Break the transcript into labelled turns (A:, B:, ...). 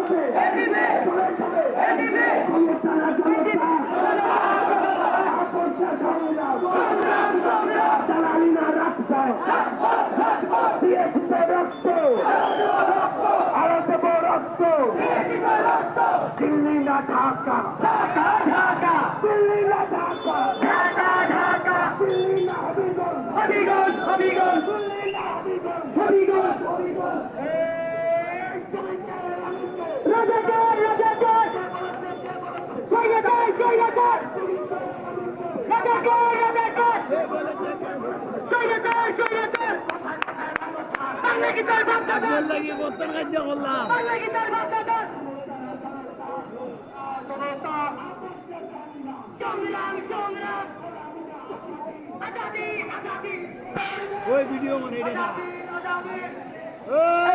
A: দিল্লি না ঢাকা, ঢাকা ঢাকা, দিল্লি না ঢাকা, ঢাকা ঢাকা, দিল্লি না হবিগঞ্জ, হবিগঞ্জ হবিগঞ্জ, দিল্লি না হবিগঞ্জ, হবিগঞ্জ হবিগঞ্জ। রাজাকার রাজাকার, স্বৈরাচার স্বৈরাচার, রাজাকার রাজাকার, স্বৈরাচার স্বৈরাচার। বাংলা কি তার বাপদাদা?
B: লাগি বর্তমান কার্য করলাম।
A: বাংলা কি তার বাপদাদা? সংগ্রাম সংগ্রাম, আজাদি আজাদি,
B: ওই ভিডিও মানে এটা না।
A: আজাদি আজাদি।
B: ওই